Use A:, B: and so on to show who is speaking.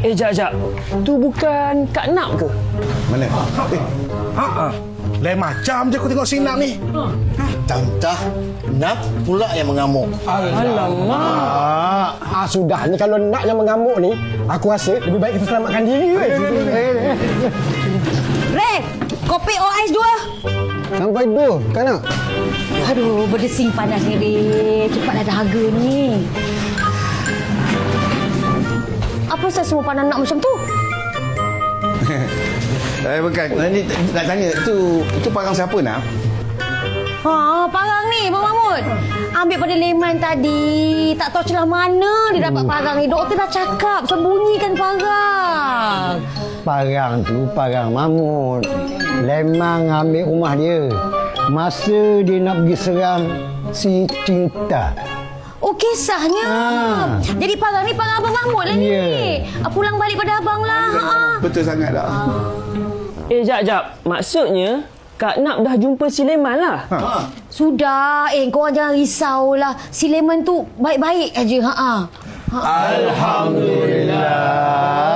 A: Jap. Tu bukan Kak Nak ke?
B: Mana? Lain macam je aku tengok si Nak ni.
C: Tantah, Nak pula yang mengamuk.
A: Alamak.
D: Sudah ni kalau Nak yang mengamuk ni, aku rasa lebih baik kita selamatkan diri.
E: Red, kopi ais 2.
D: Sampai 2, Kak Nak.
E: Aduh, berdesing panas ni, Red. Cepatlah dahaga ni. Apa saya semua pandang Nak macam tu?
B: Bukan. Ni nak tanya, tu parang siapa nak?
E: Parang ni, Abang Mahmud. Ambil pada Leman tadi. Tak tahu celah mana dia dapat parang ni. Doktor dah cakap, sembunyikan parang.
D: Parang tu parang Mahmud. Lemang ambil rumah dia. Masa dia nak pergi serang si Cinta.
E: Oh, kisahnya. Jadi parang ni parang Abang Mahmud lah ni. Pulang balik pada abang lah.
B: Betul sangat dah.
A: Jap. Maksudnya, Kak Nak dah jumpa si Leman lah?
E: Sudah. Korang jangan risaulah. Si Leman tu baik-baik aja.
B: Alhamdulillah.